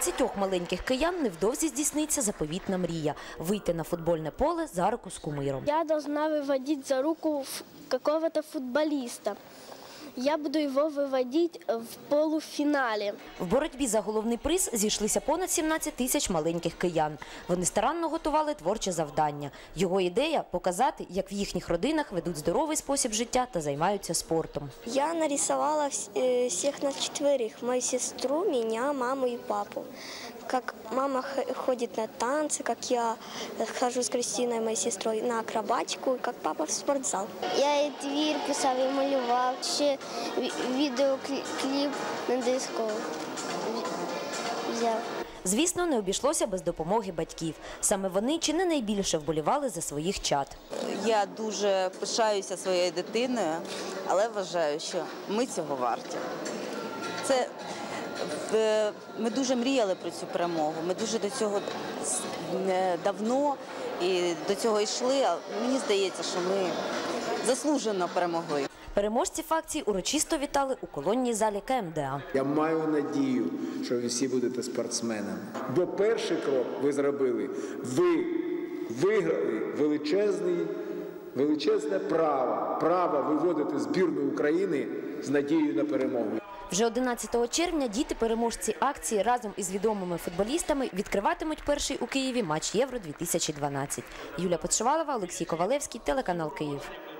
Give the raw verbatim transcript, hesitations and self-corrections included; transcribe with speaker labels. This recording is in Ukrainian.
Speaker 1: багатьох маленьких киян невдовзі здійсниться заповітна мрія – вийти на футбольне поле за руку з кумиром.
Speaker 2: Я должна выводить за руку какого-то футболиста. Я буду його виводити в полуфіналі.
Speaker 1: В боротьбі за головний приз зійшлися понад сімнадцять тисяч маленьких киян. Вони старанно готували творче завдання. Його ідея – показати, як в їхніх родинах ведуть здоровий спосіб життя та займаються спортом.
Speaker 3: Я нарисувала всіх на четверих – мою сестру, мене, маму і папу. Как мама ходит на танцы, как я хожу с Кристиной, моей сестрой, на акробатику, как папа в спортзал.
Speaker 2: Я і твір писав, і малював, ще відеокліп на диску взяв.
Speaker 1: Звісно, не обійшлося без допомоги батьків. Саме вони чи не найбільше вболівали за своїх чад.
Speaker 4: Я дуже пишаюся своєю дитиною, але вважаю, що ми цього варті. Це Ми дуже мріяли про цю перемогу, ми дуже до цього давно і до цього йшли, а мені здається, що ми заслужено перемогли.
Speaker 1: Переможців акції урочисто вітали у колонній залі Ка Ем Де А.
Speaker 5: Я маю надію, що ви всі будете спортсменами. Бо перший крок ви зробили, ви виграли величезний, величезне право, право виводити збірну України з надією на перемогу.
Speaker 1: Вже одинадцятого червня діти-переможці акції разом із відомими футболістами відкриватимуть перший у Києві матч Євро дві тисячі дванадцять. Юлія Подшивалова, Олексій Ковалевський, телеканал Київ.